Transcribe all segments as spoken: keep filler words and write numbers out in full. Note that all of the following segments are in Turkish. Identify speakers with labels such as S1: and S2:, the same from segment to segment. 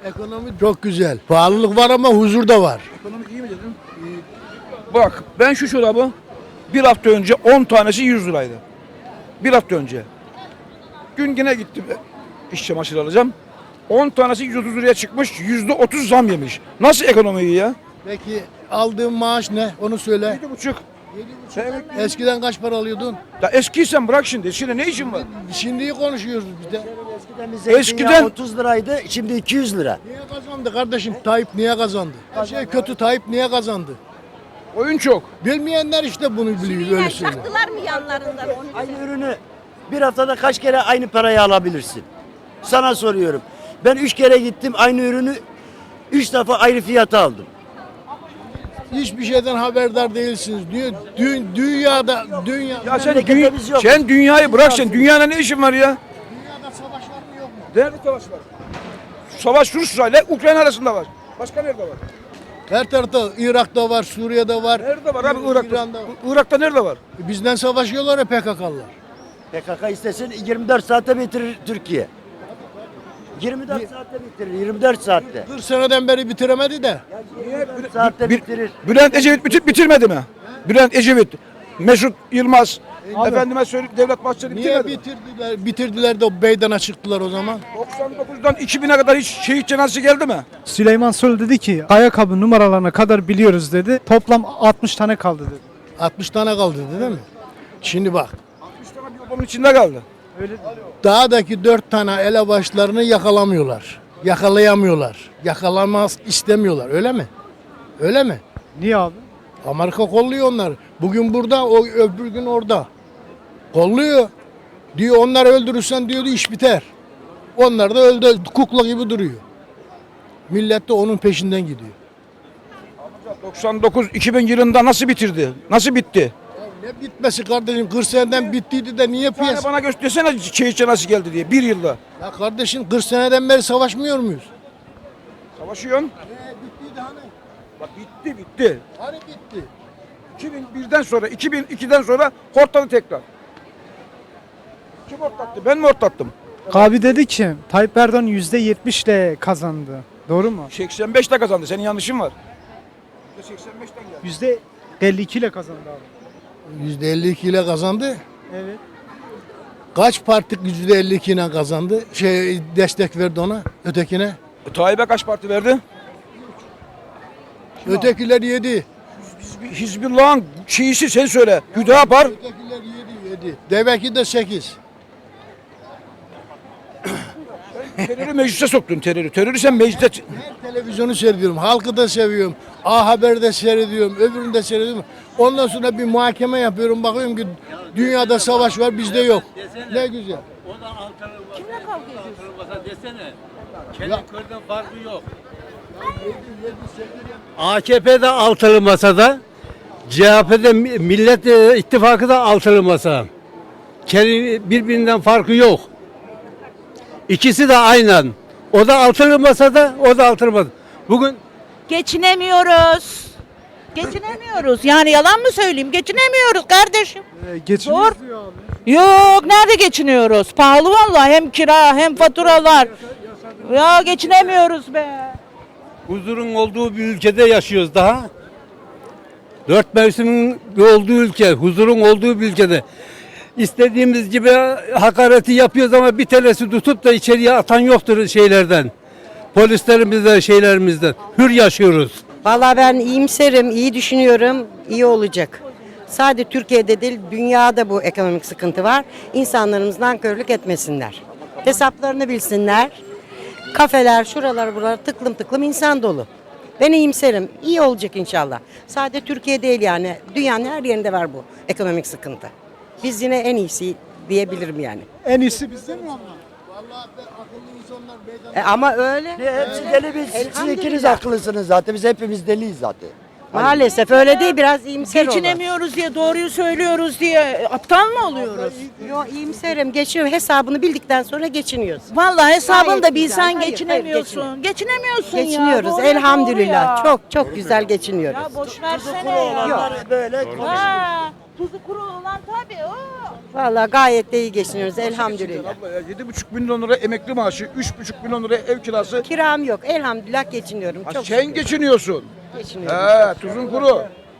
S1: Ekonomi çok güzel. Pahalılık var ama huzur da var.
S2: Ekonomi iyi mi dedin? İyi. Bak ben şu çorabı bir hafta önce on tanesi yüz liraydı. Bir hafta önce. Gün yine gittim iş çamaşırı alacağım. on tanesi yüz otuz liraya çıkmış. yüzde otuz zam yemiş. Nasıl ekonomi iyi ya?
S1: Peki aldığın maaş ne? Onu söyle.
S2: Yedi buçuk.
S1: Eskiden kaç para alıyordun?
S2: Ya eskiysen bırak şimdi. Şimdi ne işin var?
S1: Şimdiyi konuşuyoruz biz de.
S3: Eskiden bir zeytinyağı
S2: Eskiden-
S3: otuz liraydı, şimdi iki yüz lira.
S1: Niye kazandı kardeşim? Tayyip niye kazandı? Her şey kötü, Tayyip niye kazandı?
S2: Oyun çok.
S1: Bilmeyenler işte bunu biliyor, öyle söylüyor.
S4: Çaktılar mı yanlarından onu?
S3: Aynı ürünü bir haftada kaç kere aynı parayı alabilirsin? Sana soruyorum. Ben üç kere gittim, aynı ürünü üç defa ayrı fiyata aldım.
S1: Hiçbir şeyden haberdar değilsiniz. Diyor, dü- dünyada, dünya,
S2: Ya sen,
S3: Memlekette
S2: dü-
S3: biz yokuz.
S2: sen dünyayı bırak sen. Dünyada ne işin var ya?
S1: dünyada savaş var mı yok mu?
S2: Nerede savaş var? Savaş Rusya ile Ukrayna arasında var. Başka nerede var?
S1: Her tarafta, Irak'ta var, Suriye'de var.
S2: Nerede var abi Irak'ta?
S1: İran'da var.
S2: Irak'ta nerede var?
S1: Bizden savaşıyorlar ya P K K'lılar.
S3: P K K istesin yirmi dört saatte bitirir Türkiye. yirmi dört saatte bitirir, yirmi dört saatte.
S1: kırk seneden beri bitiremedi de.
S3: yirmi dört saatte
S2: Bir-
S3: bitirir.
S2: Bülent Ecevit bitir, bitirmedi mi? Bülent Ecevit, Mesut Yılmaz, efendime söyleyeyim Devlet Bahçeli
S1: Niye
S2: bitirmedi mi?
S1: bitirdiler? Bitirdiler de meydana çıktılar o zaman.
S2: doksan dokuzdan iki bine kadar hiç şehit cenazesi geldi mi?
S5: Süleyman Soylu dedi ki ayakkabı numaralarına kadar biliyoruz dedi. Toplam altmış tane kaldı dedi.
S1: altmış tane kaldı değil mi? Şimdi bak.
S2: altmış tane bir odanın içinde kaldı.
S1: Dağdaki dört tane elebaşlarını yakalamıyorlar. Yakalayamıyorlar. Yakalamaz istemiyorlar. Öyle mi? Öyle mi?
S5: Niye abi?
S1: Amerika kolluyor onları. Bugün burada, o öbür gün orada. Kolluyor. Diyor onları öldürürsen diyordu iş biter. Onlar da öldü, kukla gibi duruyor. Millet de onun peşinden gidiyor.
S2: doksan dokuz iki bin yılında nasıl bitirdi? Nasıl bitti?
S1: Ne bitmesi kardeşim? kırk seneden bittiydi de niye
S2: Bir tane
S1: piyasa?
S2: bana göstersene şehit cenazesi geldi diye bir yılda.
S1: Ya kardeşim kırk seneden beri savaşmıyor muyuz?
S2: Savaşıyorsun.
S1: bittiydi hani.
S2: Bak bitti bitti.
S1: Hani bitti.
S2: iki bin birden sonra iki bin ikiden sonra hortladı tekrar. Kim hortlattı? Ben mi hortlattım?
S5: Abi dedi ki Tayyip Erdoğan yüzde yetmişle kazandı. Doğru mu?
S2: seksen beşte kazandı. Senin yanlışın var. seksen beşten geldi.
S5: yüzde elli iki ile kazandı abi.
S1: yüzde elli iki ile kazandı.
S5: Evet.
S1: Kaç parti yüzde elli iki ile kazandı? Şey destek verdi ona, ötekine.
S2: E, Tayyip'e kaç parti verdi?
S1: Ötekiler yedi.
S2: Hizb- Hizbullah'ın şeyisi sen söyle. Hüdapar.
S1: Ötekiler yedi, yedi. Deveki de sekiz.
S2: Terörü meclise soktun terörü. Terörü sen meclise...
S1: Her televizyonu seyrediyorum, halkı da seviyorum. A Haber'de seyrediyorum, öbürünü de seyrediyorum. Ondan sonra bir muhakeme yapıyorum, bakıyorum ki dünyada savaş var, bizde yok. Ne güzel.
S4: Kimle kavga ediyorsun?
S6: Desene. Kendi köyden farkı yok. A K P'de altılı masada, C H P'de Millet e, İttifakı da altılı masa. Kendi birbirinden farkı yok. İkisi de aynen. O da altılı masada, o da altılı masada. Bugün
S4: Geçinemiyoruz. Geçinemiyoruz. Yani yalan mı söyleyeyim? Geçinemiyoruz kardeşim.
S5: Ee, geçiniyoruz
S4: Zor.
S5: diyor abi.
S4: Yok, nerede geçiniyoruz? Pahalı vallahi, hem kira hem faturalar. Ya geçinemiyoruz be.
S6: huzurun olduğu bir ülkede yaşıyoruz daha. Dört mevsimin olduğu ülke, huzurun olduğu bir ülkede. İstediğimiz gibi hakareti yapıyoruz ama bir tanesi tutup da içeriye atan yoktur şeylerden. Polislerimizden, şeylerimizden. Hür yaşıyoruz.
S7: Vallahi ben iyimserim, iyi düşünüyorum, iyi olacak. Sadece Türkiye'de değil, dünyada bu ekonomik sıkıntı var. İnsanlarımız nankörlük etmesinler. Hesaplarını bilsinler. Kafeler, şuralar, buralar tıklım tıklım insan dolu. Ben iyimserim, iyi olacak inşallah. Sadece Türkiye değil yani, dünyanın her yerinde var bu ekonomik sıkıntı. Biz yine en iyisi diyebilirim yani.
S5: En iyisi bizde mi ama?
S1: Vallahi akıllı insanlar meydana...
S7: E ama öyle.
S3: Hepsi deli biz. Siz
S7: Elhamdülillah.
S3: ikiniz haklısınız zaten. Biz hepimiz deliyiz zaten.
S7: Maalesef öyle değil, biraz iyimser olun.
S4: Geçinemiyoruz diye, doğruyu söylüyoruz diye aptal mı oluyoruz?
S7: Yo, iyimserim, geçiyor. Hesabını bildikten sonra geçiniyoruz.
S4: Vallahi hesabını
S7: Gayet
S4: da
S7: güzel.
S4: bilsen
S7: Hayır, hayır,
S4: geçinemiyorsun. Geçinemiyorsun ya.
S7: Geçiniyoruz
S4: doğruya doğru
S7: elhamdülillah.
S4: ya.
S7: Çok çok güzel geçiniyoruz.
S4: Ya boş versene ya.
S3: Böyle
S4: Ha, tuzu kuru olan tabii o.
S7: Vallahi gayet de iyi geçiniyoruz elhamdülillah.
S2: Abla ya yedi buçuk milyon lira emekli maaşı, üç buçuk milyon lira ev kirası.
S7: Kiram yok elhamdülillah geçiniyorum.
S2: Ha,
S7: Çok
S2: sen
S7: şükür.
S2: geçiniyorsun.
S7: Geçiniyorum.
S2: He, tuzun kuru.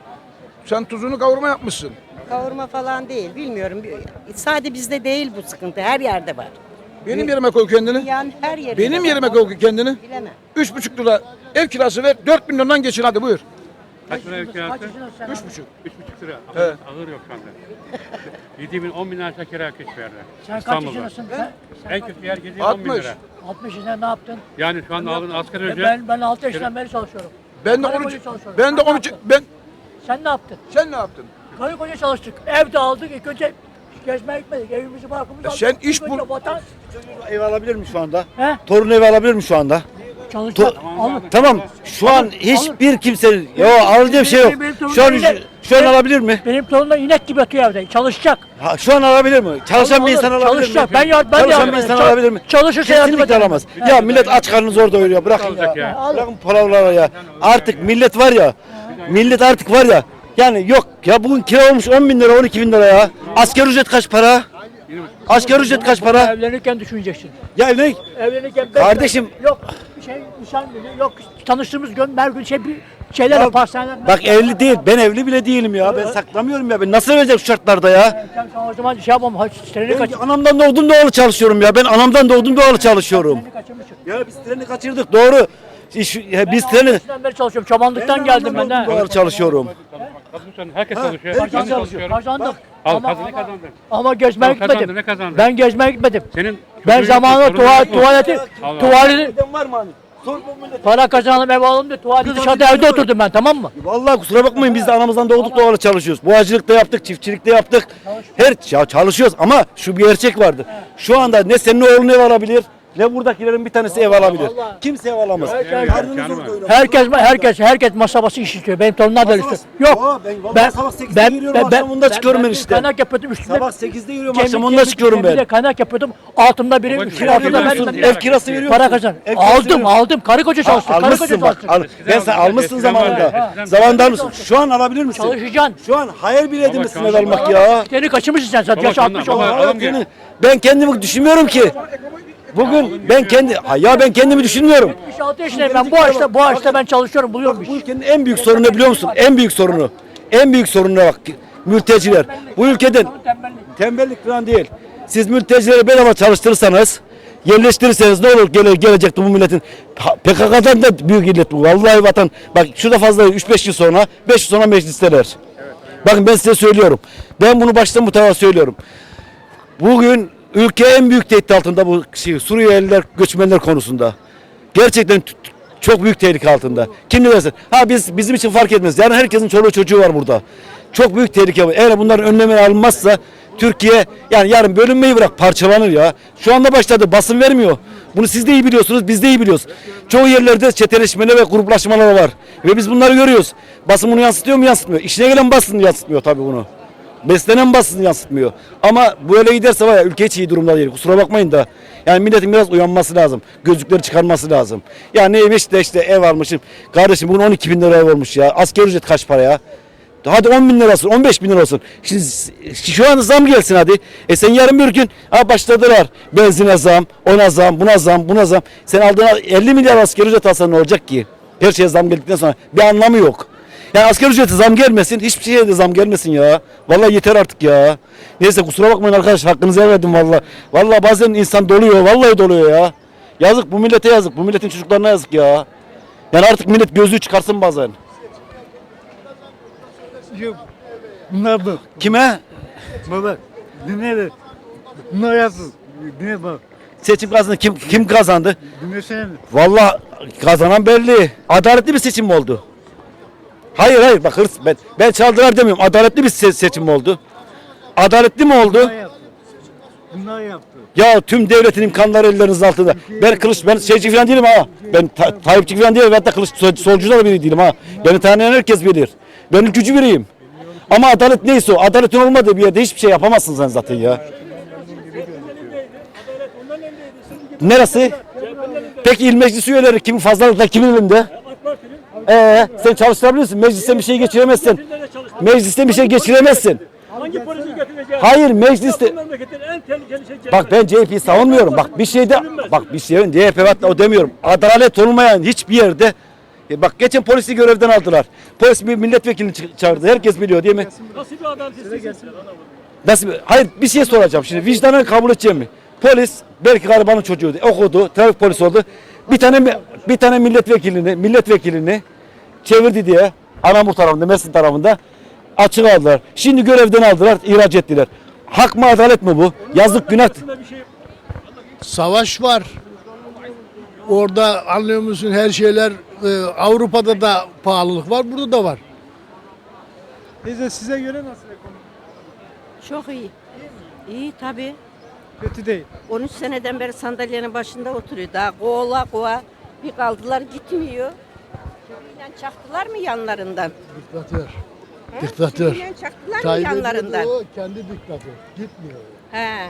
S2: Sen tuzunu kavurma yapmışsın.
S7: Kavurma falan değil bilmiyorum. Sadece bizde değil bu sıkıntı her yerde var.
S2: Benim yerime koy kendini.
S7: Yani her yerde.
S2: Benim
S7: var.
S2: yerime koy kendini.
S7: Bilemem.
S2: Üç buçuk lira ev kirası ver, dört milyondan geçin hadi buyur.
S8: Kaç lira ev kirası?
S2: Üç buçuk.
S8: Üç buçuk lira.
S2: Evet.
S8: Ağır yok şu anda. Yedi bin, on bin lira kira kış verdi.
S9: Sen kaç
S8: İstanbul'da.
S9: yaşındasın sen?
S8: En kötü yer yedi on bin
S2: altmış.
S8: lira.
S9: altmış yaşında ne yaptın?
S8: Yani şu anda aldığın asgari ücret.
S9: Ben ben altı yaşından beri çalışıyorum.
S2: Ben de
S9: Karı
S2: on üç,
S9: koca çalışıyorum.
S2: ben de
S9: Sen ne
S2: on üç,
S9: yaptın?
S2: ben,
S9: Sen ne yaptın?
S2: sen ne yaptın?
S9: Karı koca çalıştık. Evde aldık. İlk önce gezmeye gitmedik. Evimizi barkımızı
S2: Ya
S9: aldık.
S2: sen iş
S9: İlk önce
S2: bul-
S9: Vatan,
S10: Ev alabilir mi şu anda?
S9: he?
S10: Torun ev alabilir mi şu anda?
S9: Çalışacak. Alır.
S10: Tamam. Şu an hiçbir kimsenin yo alacağı bir şey yok. Şu an şu an alabilir mi?
S9: Benim torunum inek gibi yatıyor evde. Çalışacak.
S10: Ha, şu an alabilir mi? Çalışan bir insan alabilir
S9: Çalışacak.
S10: mi?
S9: Ben yardım ben
S10: Çalışan
S9: yardım
S10: bir insan
S9: ederim.
S10: alabilir mi?
S9: Çalışırsa yardım
S10: Kesinlikle
S9: ederim.
S10: alamaz. Ya millet aç karnını zor doyuruyor. Bırakın
S8: Alacak
S10: ya.
S8: ya.
S10: Bırakın palavraları ya. Artık millet var ya. Millet artık var ya. Yani yok ya bugün kira olmuş on bin lira on iki bin lira ya. Asgari ücret kaç para? Asgari ücret kaç para?
S9: Evlenirken düşüneceksin.
S10: Ya ne?
S9: Evlenirken ben-
S10: Kardeşim.
S9: yok bir şey nişan günü yok tanıştığımız gün her gün şey bir şeyler pastaneler.
S10: Bak evli değil. Ben evli bile değilim ya. Ben saklamıyorum ya. Ben nasıl vereceğim şu şartlarda ya?
S9: Sen sen o zaman şey yapamam. Treni kaç.
S10: Ben anamdan doğdum doğalı çalışıyorum ya. Ben anamdan doğdum doğalı çalışıyorum.
S9: Treni kaçırmışsın.
S10: Ya biz treni kaçırdık doğru. İş, ya biz
S9: Ben
S10: treni
S9: altmışından beri çalışıyorum. Çobanlıktan geldim ben de.
S10: doğalı çalışıyorum.
S8: Kadın herkes
S10: Ha,
S8: çalışıyor.
S10: herkes
S8: Ben
S10: çalışıyor.
S8: çalışıyorum.
S9: Kazandık.
S8: Al
S9: Ama,
S8: kazandı
S9: ama,
S8: kazandı.
S9: ama gezmeye
S8: Al, kazandı,
S9: gitmedim.
S8: ne kazandı?
S9: Ben gezmeye gitmedim.
S8: Senin
S9: Ben
S8: çocuğun
S9: zamanında
S8: yok,
S9: tuva,
S8: sorunun yok.
S9: tuvaleti,
S8: Allah.
S9: tuvaleti,
S10: Var mı hani? Sor bu millete.
S9: para kazanalım ev alalım diye tuvaleti
S10: Bir
S9: dışarıda
S10: tane
S9: evde
S10: var.
S9: oturdum ben tamam mı?
S10: Vallahi kusura bakmayın biz de anamızdan doğduk doğalı çalışıyoruz. Boğacılıkta yaptık, çiftçilikte yaptık. Her ya çalışıyoruz ama şu bir gerçek vardı. Şu anda ne senin oğlun ev alabilir ne buradakilerin bir tanesi ev alabilir.
S9: vallahi.
S10: Kimse ev alamaz.
S9: Herkes-
S10: Karnını
S8: Canım
S10: zor
S8: var.
S10: doyuramaz.
S9: Herkes herkes herkes masa başı iş istiyor. Benim torunlar da istiyor. Yok.
S10: Ben, ben, sabah sekizde
S9: ben
S10: giriyorum akşam onda çıkıyorum ben işte.
S9: Kaynak yapıyordum üstüne.
S10: Sabah sekizde giriyorum
S9: Gemi-
S10: akşam onda
S9: gemi-
S10: çıkıyorum
S9: gemide
S10: ben.
S9: kaynak yapıyordum. Altımda biri,
S8: Bak,
S9: üstüne
S8: kira
S9: altımda
S10: veriyorsun,
S9: ben.
S10: ev kirası veriyor
S9: Para
S10: musun?
S9: kazan.
S10: Ev kirası
S9: Aldım
S10: veriyor
S9: aldım. Karı koca çalıştık. Karı koca
S10: Almışsın bak.
S9: çalıştık.
S10: Al, ben sen almışsın
S8: Eskiden vardı,
S10: zamanında.
S8: eskiden
S10: Zamanında almışsın. Şu an alabilir misin?
S9: Çalışacaksın.
S10: Şu an hayal bile edemezsin ev
S8: çalışma.
S10: almak ya.
S9: Seni kaçırmışsın sen zaten.
S8: Baba,
S9: Yaş
S8: sen-
S9: altmış
S8: baba,
S9: oldu.
S8: alım
S10: Evet,
S8: gel.
S10: yani ben kendimi düşünmüyorum ki. Bugün ben kendi ha ya ben kendimi düşünmüyorum.
S9: yetmiş altı yaşındayım ben. Bu yaşta bu yaşta ben çalışıyorum buluyorum
S10: Bu
S9: iş.
S10: ülkenin en büyük sorunu ne biliyor musun? En büyük sorunu. En büyük sorununa bak. Mülteciler. Bu ülkeden
S9: Tembellik.
S10: tembellik falan değil. Siz mültecileri bedava çalıştırırsanız, yerleştirirseniz ne olur gele, gelecekti bu milletin. Ha, P K K'dan da büyük illet bu. Vallahi vatan. Bak şurada fazla üç beş yıl sonra, beş yıl sonra meclisteler. Bakın ben size söylüyorum. Ben bunu baştan bu tarafa söylüyorum. Bugün ülke en büyük tehdit altında bu şey, Suriyeliler, göçmenler konusunda. Gerçekten t- t- çok büyük tehlike altında. Kim ne derse. Ha biz bizim için fark etmez. Yani herkesin çoluğu çocuğu var burada. Çok büyük tehlike var. Eğer bunların önlemleri alınmazsa Türkiye yani yarın bölünmeyi bırak parçalanır ya. Şu anda başladı basın vermiyor. Bunu siz de iyi biliyorsunuz, biz de iyi biliyoruz. Çoğu yerlerde çeteleşmeler ve gruplaşmalar var. Ve biz bunları görüyoruz. Basın bunu yansıtıyor mu? Yansıtmıyor. İşine gelen basın yansıtmıyor tabii bunu. Beslenen basın yansıtmıyor. Ama böyle giderse var ya ülke hiç iyi durumda değil. Kusura bakmayın da. Yani milletin biraz uyanması lazım. Gözlükleri çıkarması lazım. Ya neymiş de işte ev almışım. Kardeşim bugün on iki bin lira ev olmuş ya. Asgari ücret kaç para ya? Hadi on bin lira olsun, on beş bin lira olsun. Şimdi şu an zam gelsin hadi. E sen yarın bir gün ha başladılar. Benzine zam, ona zam, buna zam, buna zam. Sen aldığına elli milyar asgari ücret alsan ne olacak ki? Her şeye zam geldikten sonra bir anlamı yok. Yani asgari ücrete zam gelmesin, hiçbir şeye de zam gelmesin ya. Vallahi yeter artık ya. Neyse kusura bakmayın arkadaş, hakkınızı vermedim vallahi. Vallahi bazen insan doluyor, vallahi doluyor ya. Yazık bu millete yazık, bu milletin çocuklarına yazık ya. Yani artık millet gözlüğü çıkarsın bazen.
S11: Bunlar bak,
S10: Kime?
S11: baba, dinle de. Bunlar yapsın. Dinle bak,
S10: Seçim kazandı. Kim kim kazandı?
S11: dinlesene.
S10: Vallahi kazanan belli. Adaletli bir seçim mi oldu? Hayır hayır bak hırs ben ben çaldılar demiyorum. Adaletli bir se- seçim mi oldu? Adaletli mi oldu?
S11: Bunlar yaptı. Bunlar yaptı.
S10: Ya tüm devletin imkanları elleriniz altında. Ben kılıç ben şeyci falan değilim ha. Ben ta, Tayyipçi falan değilim. Hatta kılıç sol- solcu da biri değilim ha. Beni tanıyan herkes bilir. Ben ülkücü biriyim. Ama adalet neyse o. Adaletin olmadığı bir yerde hiçbir şey yapamazsın sen zaten ya. Neresi? Peki il meclis üyeleri kimin fazlalıkla kimin elinde? Ee, sen çalıştırabilirsin. Meclisten bir şey geçiremezsin. Meclisten bir şey geçiremezsin.
S9: Hangi polisi götüreceğiz?
S10: Hayır mecliste. Bak ben C H P'yi savunmuyorum. Bak bir şeyde bak bir şeyin C H P hatta o demiyorum. Adalet olmayan hiçbir yerde e bak geçen polisi görevden aldılar. Polis bir milletvekilini çı- çağırdı. Herkes biliyor değil mi?
S8: Nasıl bir adalet istiyorsun?
S10: Nasıl bir- Hayır bir şey soracağım şimdi. Vicdanen kabul edeceğim mi? Polis belki garibanın çocuğu okudu. Trafik polisi oldu. Bir tane mi- bir tane milletvekilini milletvekilini çevirdi diye Anamur tarafında, Mersin tarafında açık aldılar. Şimdi görevden aldılar, ihraç ettiler. Hak mı adalet mi bu? Yazık günah.
S1: Savaş var. Orada anlıyor musun her şeyler e, Avrupa'da da pahalılık var, burada da var.
S5: Teyze size göre nasıl ekonomi?
S7: Çok iyi. İyi tabii.
S5: Kötü değil.
S7: on üç seneden beri sandalyenin başında oturuyor. Daha kovala kova bir kaldılar gitmiyor. Çiviyle çaktılar mı yanlarından?
S1: Diktatör. Diktatör.
S7: Çiviyle çaktılar mı
S1: Tayyip
S7: yanlarından?
S1: Erdoğan kendi diktatör. Gitmiyor.
S7: He.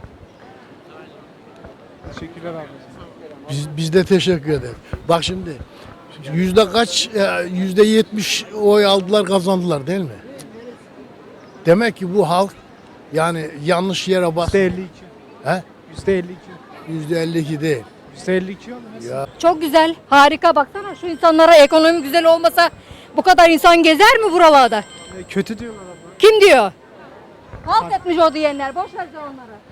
S5: Teşekkürler abi.
S1: Biz, biz de teşekkür ederiz. Bak şimdi yüzde kaç, e, yüzde yetmiş oy aldılar kazandılar değil mi? Demek ki bu halk yani yanlış yere bas.
S5: yüzde elli iki.
S1: He?
S5: yüzde elli iki.
S1: Yüzde elli iki değil.
S5: yüzde elli iki oldu.
S1: Ya
S12: Çok güzel, harika. Baksana şu insanlara ekonomi güzel olmasa bu kadar insan gezer mi buralarda?
S5: E, Kötü diyorlar abla.
S12: Kim diyor? Halt etmiş o diyenler. Boş ver sen onları.